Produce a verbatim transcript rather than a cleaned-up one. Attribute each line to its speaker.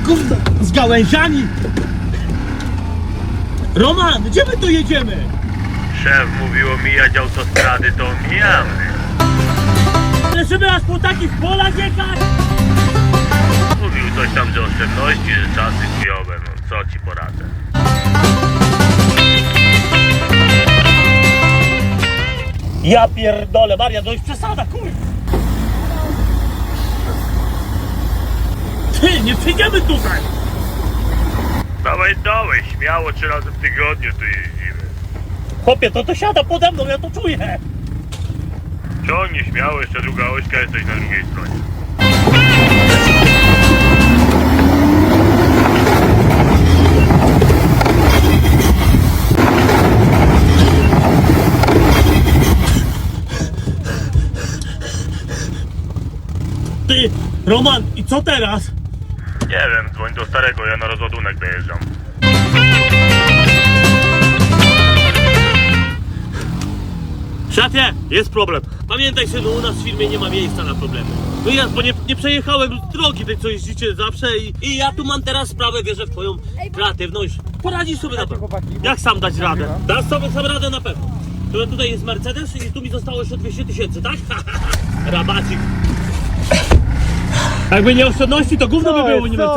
Speaker 1: gówno z gałęziami. Roman, gdzie my tu jedziemy?
Speaker 2: Szef mówił omijać autostrady, to omijamy.
Speaker 1: Ale żeby aż po takich polach jechać?
Speaker 2: Mówił coś tam, że oszczędności, że czasy chujowe, no co ci poradzę.
Speaker 1: Ja pierdolę, Maria, to już przesada, kurwa. Ty, nie przyjdziemy tutaj.
Speaker 2: Dawaj, dawaj, śmiało trzy razy w tygodniu tu jeździmy.
Speaker 1: Chłopie, to to siada pode mną, ja to czuję.
Speaker 2: Ciągnij śmiało, jeszcze druga ośka, jesteś na drugiej stronie.
Speaker 1: Ty, Roman, i co teraz?
Speaker 2: Nie wiem, dzwoń do starego, ja na rozładunek dojeżdżam.
Speaker 1: Szefie, jest problem. Pamiętaj, że u nas w firmie nie ma miejsca na problemy. No ja, bo nie, nie przejechałem drogi tej, co jeździcie zawsze i, i ja tu mam teraz sprawę, wierzę w twoją kreatywność. Poradzisz sobie na pewno. Jak sam dać radę? Dasz sobie sam radę na pewno. To tutaj jest Mercedes i tu mi zostało jeszcze dwieście tysięcy, tak? Rabacik. Jakby nie oszczędności, to gówno by było, nie